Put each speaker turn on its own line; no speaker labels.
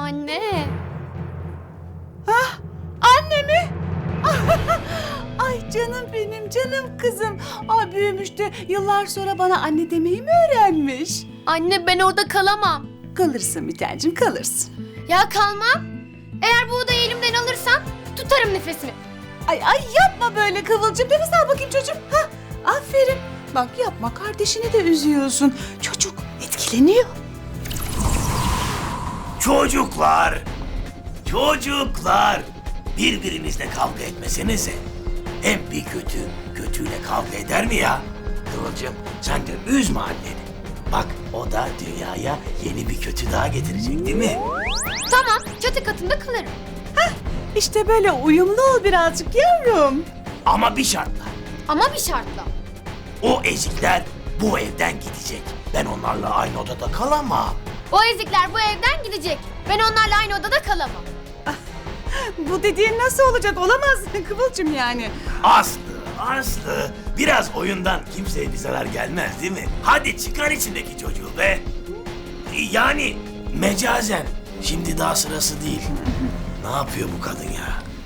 Anne.
Anne mi? Ay canım benim, canım kızım. Ay büyümüş de yıllar sonra bana anne demeyi mi öğrenmiş?
Anne ben orada kalamam.
Kalırsın bir tancım, kalırsın.
Ya kalmam. Eğer bu odayı elimden alırsan tutarım nefesimi.
Ay yapma böyle Kıvılcım. Nefes al bakayım çocuğum. Ha, aferin. Bak yapma, kardeşini de üzüyorsun. Çocuk etkileniyor.
Çocuklar, birbirinizle kavga etmesenize. Hem bir kötüyle kavga eder mi ya? Kıvılcım, sen de üzme anneni. Bak, o da dünyaya yeni bir kötü daha getirecek değil mi?
Tamam, çatı katında kalırım.
İşte böyle uyumlu ol birazcık yavrum.
Ama bir şartla.
Ama bir şartla.
O ezikler bu evden gidecek. Ben onlarla aynı odada kalamam.
O ezikler bu evden gidecek. Ben onlarla aynı odada kalamam.
Bu dediğin nasıl olacak? Olamaz Kıvılcım yani.
Aslı, biraz oyundan kimseye bir zarar gelmez değil mi? Hadi çıkar içindeki çocuğu be. Yani mecazen. Şimdi daha sırası değil. Ne yapıyor bu kadın ya?